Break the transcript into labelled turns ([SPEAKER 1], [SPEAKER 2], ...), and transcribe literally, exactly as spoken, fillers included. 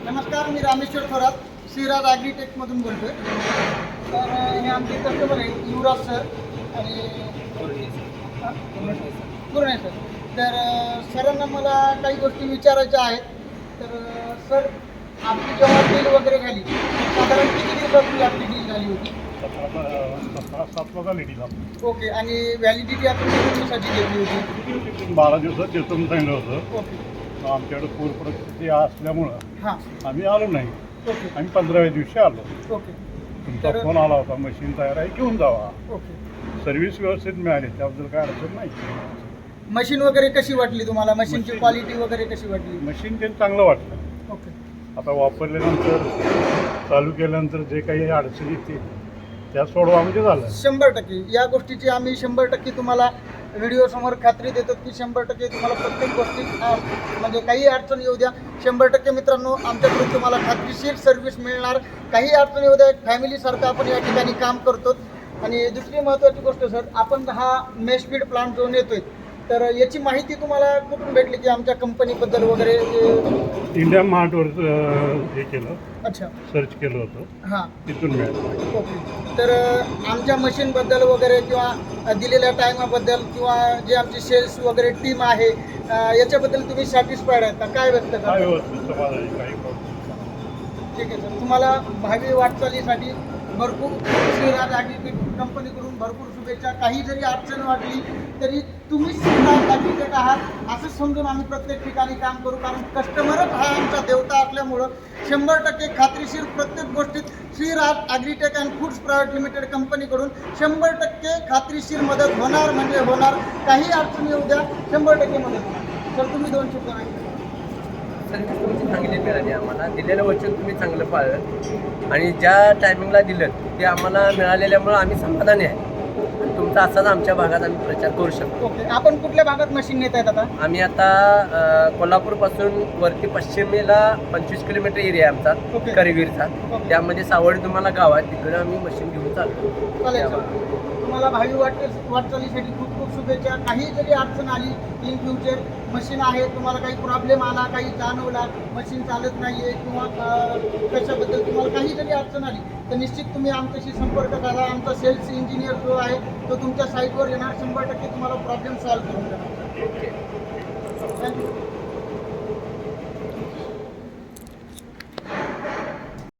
[SPEAKER 1] नमस्कार, मी रामेश्वर थोरात श्रीराज ॲग्रीटेकमधून बोलतो आहे. तर हे आमचे कस्टमर आहे युवराज सर आणि पूर्ण सर. तर सरांना मला काही गोष्टी विचारायच्या आहेत. तर सर, आपली जेव्हा डील वगैरे झाली साधारण किती दिवसापूर्वी आपली डील झाली होती?
[SPEAKER 2] सात लिटीला
[SPEAKER 1] ओके. आणि व्हॅलिडिटी आपण किती दिवसाची घेतली होती?
[SPEAKER 2] बारा दिवसात देतो म्हणून सांगितलं होतं.
[SPEAKER 1] ओके.
[SPEAKER 2] आमच्याकडे पूर परिस्थिती असल्यामुळं
[SPEAKER 1] हां.
[SPEAKER 2] आम्ही आलो नाही.
[SPEAKER 1] ओके.
[SPEAKER 2] आम्ही पंधराव्या दिवशी आलो.
[SPEAKER 1] ओके.
[SPEAKER 2] तुमचा
[SPEAKER 1] तर-
[SPEAKER 2] फोन आला होता, मशीन तयार आहे, घेऊन जावा.
[SPEAKER 1] ओके.
[SPEAKER 2] सर्व्हिस व्यवस्थित मिळाली, त्याबद्दल काय अडचण नाही.
[SPEAKER 1] मशीन वगैरे कशी वाटली तुम्हाला? मशीनची
[SPEAKER 2] मशीन-
[SPEAKER 1] क्वालिटी वगैरे कशी वाटली?
[SPEAKER 2] मशीन ते चांगलं वाटलं.
[SPEAKER 1] ओके.
[SPEAKER 2] आता वापरल्यानंतर चालू केल्यानंतर जे काही अडचणी येते त्या सोडवा म्हणजे झालं.
[SPEAKER 1] शंभर टक्के या गोष्टीची आम्ही शंभर टक्के तुम्हाला व्हिडिओसमोर खात्री देतो की शंभर टक्के तुम्हाला प्रत्येक गोष्टीत अ, म्हणजे काही अडचण येऊ द्या, शंभर टक्के मित्रांनो आमच्याकडून तुम्हाला खात्रीशीर सर्व्हिस मिळणार. काही अडचण येऊ द्या, फॅमिलीसारखं आपण या ठिकाणी काम करतो. आणि दुसरी महत्त्वाची गोष्ट सर, आपण हा मेशफीड प्लांट जो नेतोय, तर याची माहिती तुम्हाला कुठून भेटली की आमच्या कंपनीबद्दल वगैरे?
[SPEAKER 2] इंडिया मार्टवर हे केलं,
[SPEAKER 1] अच्छा.
[SPEAKER 2] सर्च केलं होतं,
[SPEAKER 1] हां.
[SPEAKER 2] तिथून मिळालं.
[SPEAKER 1] ओके. तर आमच्या मशीनबद्दल वगैरे किंवा दिलेल्या टायमाबद्दल किंवा जे आमची सेल्स वगैरे टीम आहे याच्याबद्दल तुम्ही सॅटिस्फाईड आहेत का? काय व्यक्त
[SPEAKER 2] काय
[SPEAKER 1] करा?
[SPEAKER 2] व्यवस्थित समाधानी, काही प्रॉब्लेम.
[SPEAKER 1] ठीक आहे सर. तुम्हाला भावी वाटचालीसाठी भरपूर श्रीराज ॲग्रीटेक कंपनीकडून भरपूर शुभेच्छा. काही जरी अडचण वाटली तरी तुम्ही श्रीराज ॲग्रीटेक आहात असं समजून आम्ही प्रत्येक ठिकाणी काम करू. कारण कस्टमरच हा आमचा देवता असल्यामुळं शंभर टक्के खात्रीशीर प्रत्येक गोष्टीत Shriraj agritech and foods private limited कंपनीकडून शंभर टक्के खात्रीशीर मदत होणार म्हणजे होणार. काही अडचण येऊ द्या, शंभर टक्के मदत होणार. सर, तुम्ही दोन शब्द नाही.
[SPEAKER 3] सर्व्हिस तुमची चांगली मिळाली आम्हाला. दिलेलं वचन तुम्ही चांगलं पाळलं आणि ज्या टायमिंगला दिलं ते आम्हाला मिळालेल्यामुळं आम्ही समाधानी आहे. आणि तुमचा असाच आमच्या भागात आम्ही प्रचार करू शकतो.
[SPEAKER 1] ओके. आपण कुठल्या भागात मशीन नेत आहेत आता?
[SPEAKER 3] आम्ही आता अ, कोल्हापूरपासून वरती पश्चिमेला पंचवीस किलोमीटर एरिया आहे
[SPEAKER 1] ओके.
[SPEAKER 3] आमचा करवीरचा.
[SPEAKER 1] ओके.
[SPEAKER 3] त्यामध्ये सावळी तुम्हाला गाव आहे, तिकडे आम्ही मशीन घेऊन चालतो.
[SPEAKER 1] चालेल सर. तुम्हाला भावी वाट वाटचालीसाठी खूप खूप शुभेच्छा. काही जरी अडचण आली इन फ्युचर, मशीन आहे, तुम्हाला काही प्रॉब्लेम आला, काही जाणवला, मशीन चालत नाही आहे किंवा अ, कशाबद्दल तुम्हाला काही जरी अडचण आली तर निश्चित तुम्ही आमच्याशी संपर्क करा. आमचा सेल्स इंजिनियर जो आहे तो तुमच्या साईटवर येणार, शंभर टक्के तुम्हाला प्रॉब्लेम सॉल्व्ह करून देणार.
[SPEAKER 3] ओके.
[SPEAKER 1] थँक्यू.